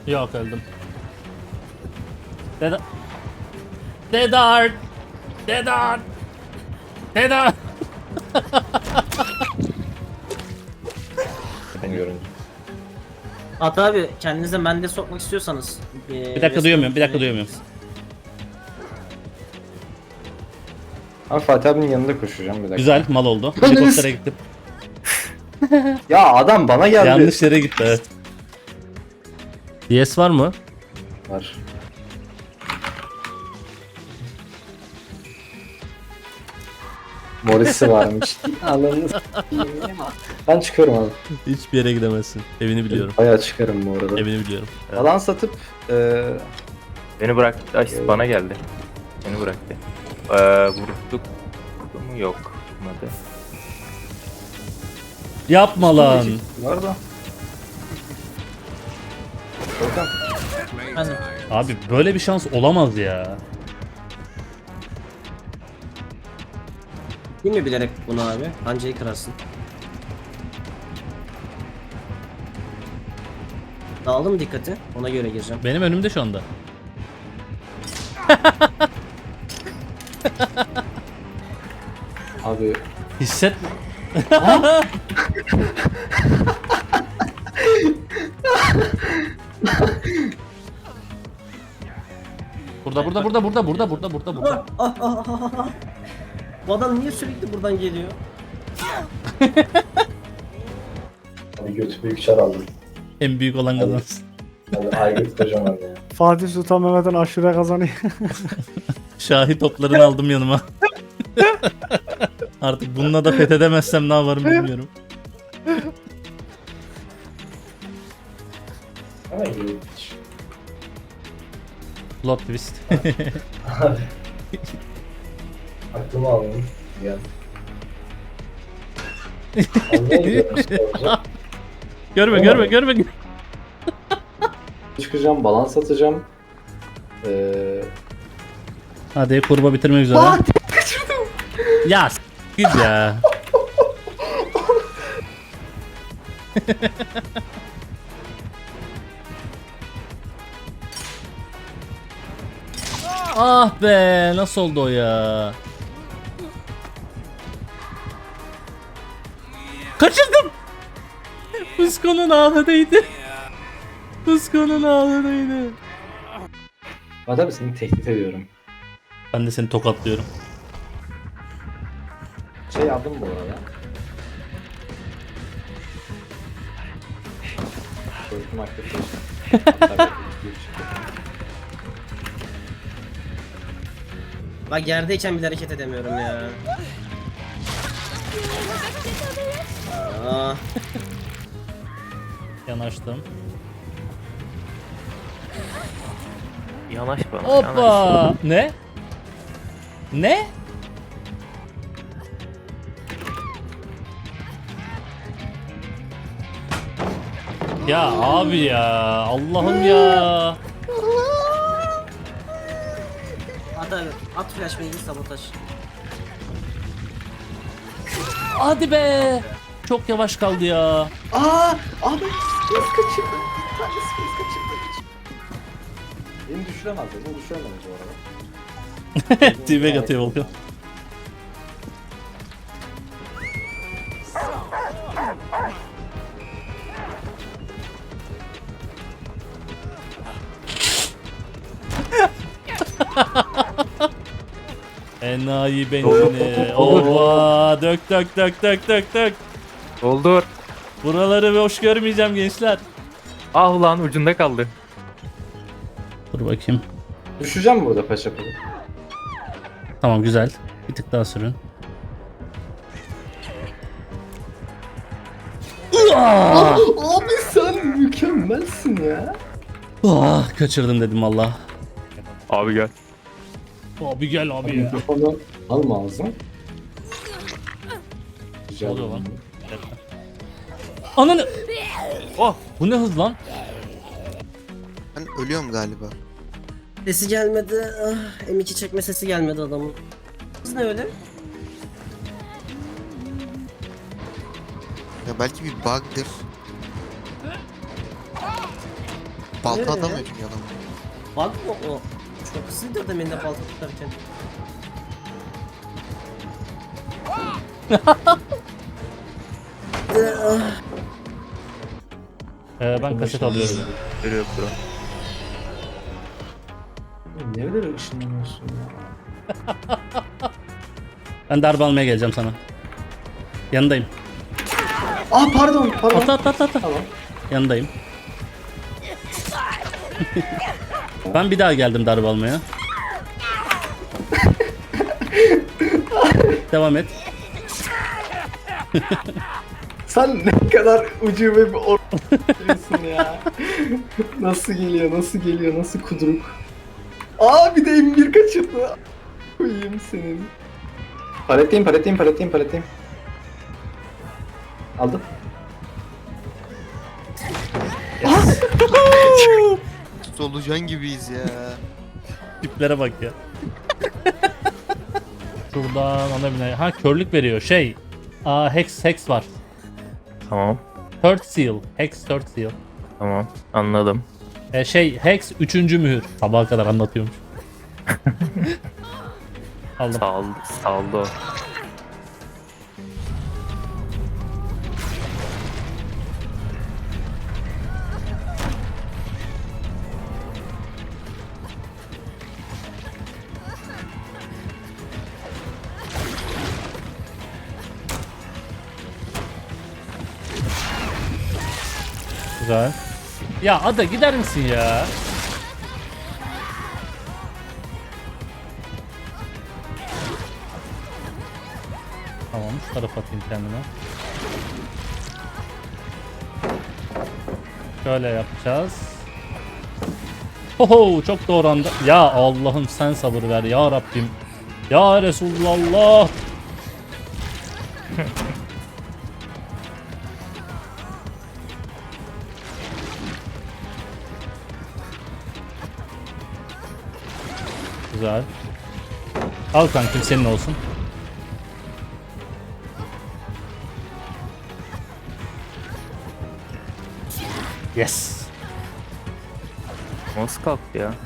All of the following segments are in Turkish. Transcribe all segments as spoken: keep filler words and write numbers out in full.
Yok öldüm. Deda... Dedart! Dedart! Dedart! Ben görünce. At abi kendinize mende sokmak istiyorsanız. Bir dakika duyamıyorum, bir dakika duyamıyorum. Abi Fatih abinin yanında koşacağım bir dakika. Güzel, mal oldu. Helikoptere gittim. Ya adam bana geldi. Yanlış yere gitti, evet. D S var mı? Var. Morris'i varmış. Anladınız. Ben çıkıyorum abi. Hiçbir yere gidemezsin. Evini biliyorum. Bayağı çıkarım bu arada. Evini biliyorum. Evet. Alan satıp e, Beni bıraktı. Ay bana geldi. Beni bıraktı. Ee, vurduk. Vurdu mu? Yok. Vurmadı. Yapma lan. var da. Volkan. Ben de. Abi böyle bir şans olamaz ya. Değil mi bilerek bunu abi? Pancayı kırarsın. Dağıldım dikkati. Ona göre gireceğim. Benim önümde şu anda. Abi Hisset. Burada burada burada burada burada burada burada burada. Ah, ah, ah, ah, ah. Bu adam niye sürekli buradan geliyor? abi götü büyük çar aldım. En büyük olan kazansın. Abi aygıt kocaman ya. Fatih Sultan Mehmet'in aşure kazanıyor. Şahi toplarını aldım yanıma. Artık bununla da fethedemezsem ne yaparım bilmiyorum. Ama iyi. Plot twist. Aklımı aldım. Gel. Anlayın diyorum işte olacak. Görme görme görme. Çıkacağım, balans atacağım. Ee, Hadi kurba bitirmek üzere. Ya s- git ya. Ah be, nasıl oldu o ya? Kaçırdım. Fusco'nun ağladaydı. Fusco'nun ağladaydı. Fatih abi seni tehdit ediyorum. Ben de seni tokatlıyorum. Şey aldım bu arada. Korkum aktif. Bak yerdeyken bile hareket edemiyorum ya. Aa, Yanaştım. Yanaş bana. Yanaş. Hoppa. Ne? Ne? Ya abi ya, Allah'ım ya. at abi. At flash bilgi sabotaj. Hadi be. Çok yavaş kaldı ya. Aa! Abi space kaçırdım. Bir tane space kaçırdım. Beni düşüremez ya. Beni düşüremez bu arada. T-Bag atıyor Volkan. Enayi benzini. Ova, dök dök dök dök dök dök. Doldur. Buraları hoş görmeyeceğim gençler. Ah ulan ucunda kaldı. Dur bakayım. Düşeceğim burada paşa paşa. Tamam güzel. Bir tık daha sürün. Abi sen mükemmelsin ya. Ah, kaçırdım dedim valla. Abi gel. Abi gel abi ya. Mikrofonu alma ağzına. Ne Rica oluyor lan? ederim. Ananı. Oh, bu ne hız lan? Ben ölüyorum galiba. Sesi gelmedi. Ah, M iki çekme sesi gelmedi adamın. Kız ne öyle? Ya belki bir bug'dır. Balta Evet. atamıyor çünkü adam. Bak o o. Çok hızlıydı demin de balta tutarken. Ee, ben kaset alıyorum. Görüyor bro. Oğlum niye böyle ışınlanıyorsun ya? Ben darbe almaya geleceğim sana. Yanındayım. Ah pardon pardon. Atla atla atla atla. Tamam. Yanındayım. Ben bir daha geldim darbe almaya. Devam et. Sen ne kadar ucube bir or***yorsun ya. Nasıl geliyor, nasıl geliyor, nasıl kuduruk. Aa bir de M bir kaçırdı. Koyayım senin. Paletteyim, paletteyim, paletteyim, paletteyim. Aldım. Solucan gibiyiz ya. Tiplere bak ya. Şuradan ana bina. Ha körlük veriyor. Şey. Aa hex hex var. Tamam. Third seal. Hex third seal. Tamam. Anladım. E, şey hex üçüncü mühür. Sabaha kadar anlatıyormuş. Aldım. Sağ ol. Sağ ol da o. Güzel. Ya Ada gider misin ya? Tamam şu tarafa atayım kendime. Şöyle yapacağız. Oho çok doğru anda. Ya Allah'ım sen sabır ver ya Rabbim. Ya Resulullah. Güzel. Al kankim senin olsun. Yes. Nasıl kalktı ya?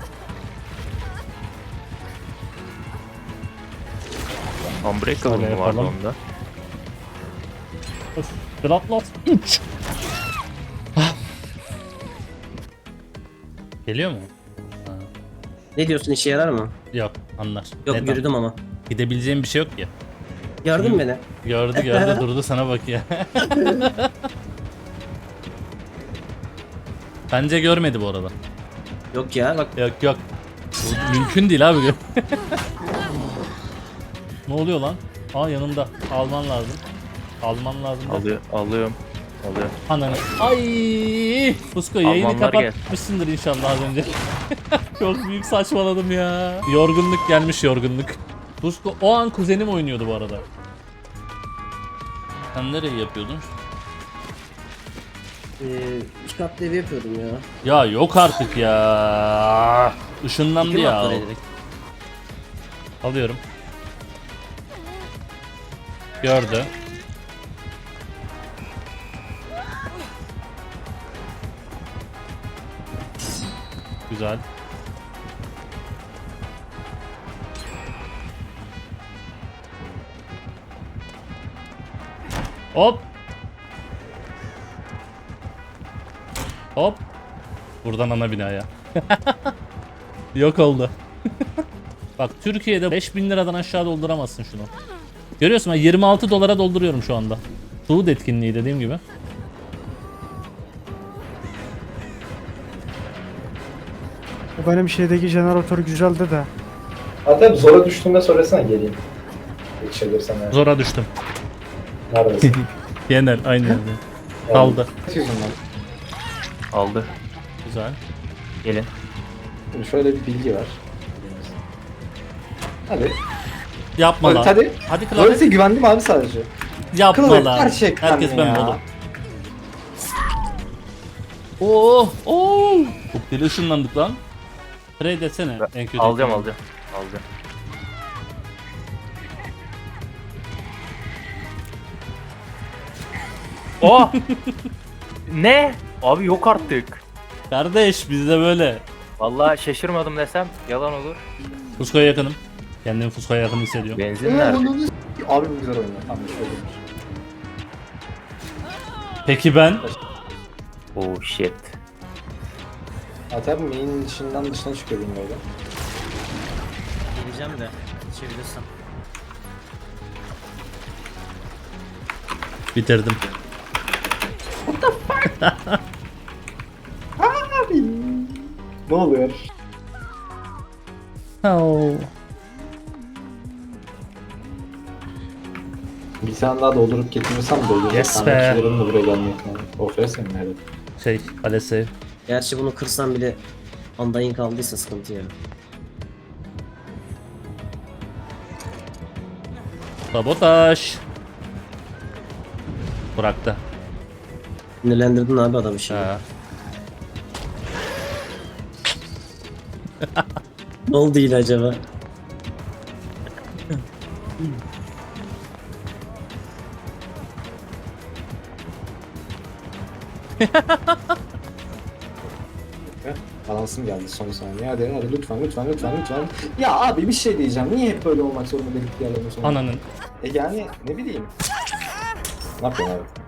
Unbreakable Şöyle mı vardı yapalım. onda? Öf, Bloodlust üç. Geliyor mu? Ne diyorsun, işe yarar mı? Yok anlar. Yok, Neden? yürüdüm ama. Gidebileceğim bir şey yok ki. Gördün mü beni? Gördü gördü durdu sana bak ya. Bence görmedi bu arada. Yok ya bak. Yok yok. Bu mümkün değil abi. Ne oluyor lan? Aa yanımda. Alman lazım. Alman lazım. da. Alıyor, alıyorum. Alıyorum. Ananı. Ay! Fusko yayını Almanlar gel. kapatmışsındır inşallah az önce. Çok büyük saçmaladım ya. Yorgunluk gelmiş yorgunluk. Fusko o an kuzenim oynuyordu bu arada. Sen nereyi yapıyordun? Ee, iki katlı ev yapıyordum ya. Ya yok artık ya. Işınlandı İki ya. katlı ev direkt. Alıyorum. Gördü. Güzel. Hop. Hop. Buradan ana binaya. Yok oldu. Bak Türkiye'de beş bin liradan aşağı dolduramazsın şunu. Görüyorsun ben yirmi altı dolara dolduruyorum şu anda. Suud etkinliği dediğim gibi. O benim şeydeki jeneratör güzeldi de. Hatta zora düştüğümde söylesene geleyim. Geçebilirsem yani. Zora düştüm. Neredesin? Genel aynı yerde. Kaldı. Kaç yüzünden? Aldı. Güzel. Gelin. Şimdi şöyle bir bilgi var. Hadi. Yapma Hadi lan. hadi. Hadi Klavye. Böylese güvendim abi sadece. Yapma Klavye, lan. gerçekten Herkes ben ya. oğlum. Oo, oo. Çok deli ışınlandık lan. Trade etsene en kötü. Alacağım, ihtimal. alacağım. Alacağım. Oh! Ne? Abi yok artık. Kardeş bizde böyle. Vallahi şaşırmadım desem yalan olur. Fusko'ya yakınım. Kendimi Fusko'ya yakın hissediyorum. Benzin nerede? Abi bu güzel oynuyor. Tamam bir şey olmuş. Peki ben? Oh shit. Ha tabii main'in dışından dışına çıkıyor benim böyle. Geleceğim de. Geçebilirsem. Bitirdim. Abi. Ne oluyor? Oh. Bir tane daha doldurup getirmesem dolduracak. Yes Ben be. rakiplerim de buraya gelmek yani. Of ya senin herhalde. Şey, Alese. Gerçi bunu kırsam bile Undying kaldıysa sıkıntı ya. Sabotaj. Bıraktı. Sinirlendirdin abi adamı şimdi. Ha. Ne oldu yine acaba? Balansım geldi son saniye. Hadi hadi lütfen lütfen lütfen lütfen. Ya abi bir şey diyeceğim. Niye hep böyle olmak zorunda dedik diğerlerinin sonunda? Ananın. E yani ne bileyim. Ne yapıyorsun abi?